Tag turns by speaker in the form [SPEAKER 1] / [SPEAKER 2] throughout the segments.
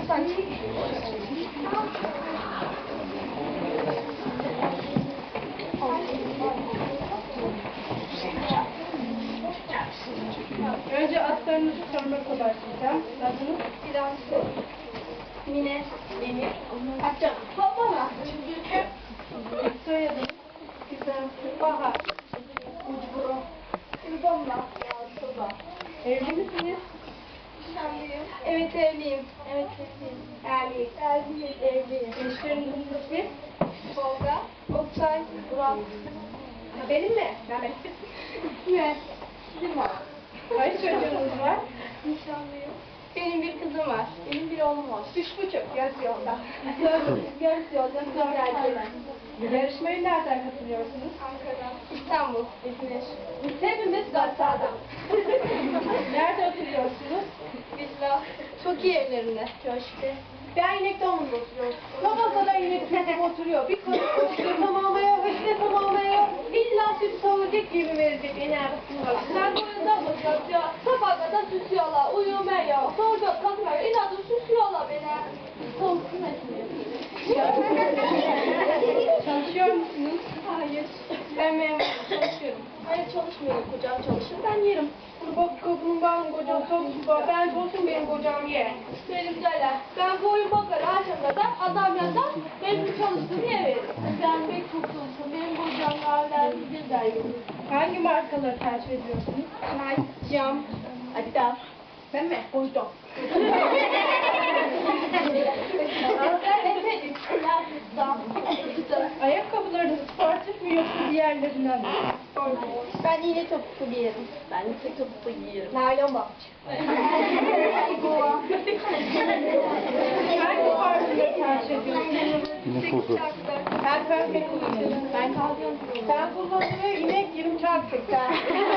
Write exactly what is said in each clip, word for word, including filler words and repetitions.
[SPEAKER 1] Önce adlarınızı sormakla başlayacağım. Adınız?
[SPEAKER 2] Dilansı. Mine. Mine. Açacağım. Hoppala.
[SPEAKER 1] Soyadınız?
[SPEAKER 2] Güzel. Bahar. Ucburo. Gülbomba. Yalçıba.
[SPEAKER 1] Evli misiniz?
[SPEAKER 2] Nişanlıyım. Evet evliyim. Evet evliyim. Evliyim. Evliyim. Evliyim.
[SPEAKER 1] Eşlerinizin ismi?
[SPEAKER 2] Tolga. Oktay. Burak.
[SPEAKER 1] Ha, benim mi? Mehmet.
[SPEAKER 2] Ne? Bizim var.
[SPEAKER 1] Kaç çocuğunuz var?
[SPEAKER 2] Nişanlıyım. Benim bir kızım var. Benim bir oğlum var.
[SPEAKER 1] Üç buçuk. Yarısı yolda.
[SPEAKER 2] Yarısı yolda sonra erkeğler.
[SPEAKER 1] Yarışmaya nereden katılıyorsunuz?
[SPEAKER 2] Ankara. İstanbul. İzmir.
[SPEAKER 1] Biz hepimiz Gassa'dan. Nerede oturuyorsunuz?
[SPEAKER 2] Villa. Çok iyi evlerinde. Köşkte.
[SPEAKER 1] Ben İnekdağı'nda oturuyorum. Babasada inek tutup oturuyor. Bir karı işte tamamlıyor, işte tamamlıyor. İlla süt savuracak gibi verecek en arasında.
[SPEAKER 2] Sen boyundan bakıyor. Sabaha kadar süsüyorlar. Uyumaya. Sonra kalkıyor. İnadı süsüyorlar beni. Soğuksun etmiyor.
[SPEAKER 1] Çalışıyor musunuz?
[SPEAKER 2] Hayır. Ben memur çalışıyorum. Hayır çalışmıyorum. Kocam çalışır. Ben yerim.
[SPEAKER 1] Bak kapının ben kocam çalışıyor. Ben olsun benim kocam ye.
[SPEAKER 2] Benim derler. Ben boyun bakar akşam kadar. Adam yazar. Benim çalıştığım yer verir. Ben pek çok çalışıyorum. Benim kocam hala bir der yok.
[SPEAKER 1] Hangi markaları tercih ediyorsunuz?
[SPEAKER 2] Nike, Cam, Adidas.
[SPEAKER 1] Ben mi? Koydum. Ayakkabılarınız sportif mi yoksa diğerlerinden mi?
[SPEAKER 2] Ben iğne topuklu giyerim. Ben yüksek topuklu giyerim.
[SPEAKER 1] Naylon bak. Hangi parfümleri tercih ediyorsunuz?
[SPEAKER 3] Yine koku.
[SPEAKER 1] Ben pembe kullanıyorum.
[SPEAKER 2] Ben kalkıyorum.
[SPEAKER 1] Ben kullanıyorum inek yirmi seksen.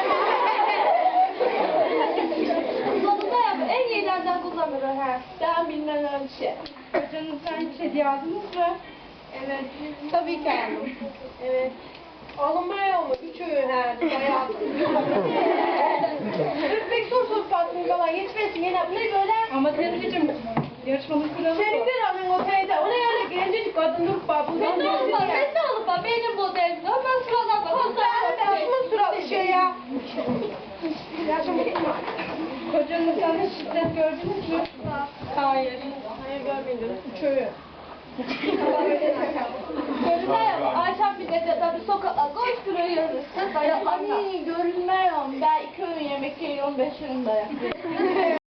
[SPEAKER 2] Kullanımda yap. En iyilerden kullanırım. He. Ben bilmem öyle bir şey.
[SPEAKER 1] Kocanızdan hiç hediye aldınız mı?
[SPEAKER 2] Evet. Tabii ki aldım. Evet.
[SPEAKER 1] Alınmaya mı? Üç öğün her bayağı. Kırk sorsuz baktın falan yetmesin yine bu ne böyle? Ama teyzeciğim yarışmanın kuralı bu. Senin bir anın o teyze. O ne öyle gencecik kadınlık var. Bu
[SPEAKER 2] Ben de alıp bak. Ben de alıp bak. Benim modelim. Ben sıradan bak.
[SPEAKER 1] Ben şunu sıralı şey ya. Kocanızdan hiç şiddet gördünüz mü?
[SPEAKER 2] Hayır. Hayır görmedim.
[SPEAKER 1] Üç öğün.
[SPEAKER 2] Görünmüyor. Ayşem bir de tabii sokakta koşturuyor yürürsün. Dayaklarla. Ay görünmüyor. Ben iki öğün yemek yiyorum. Beş öğün dayak.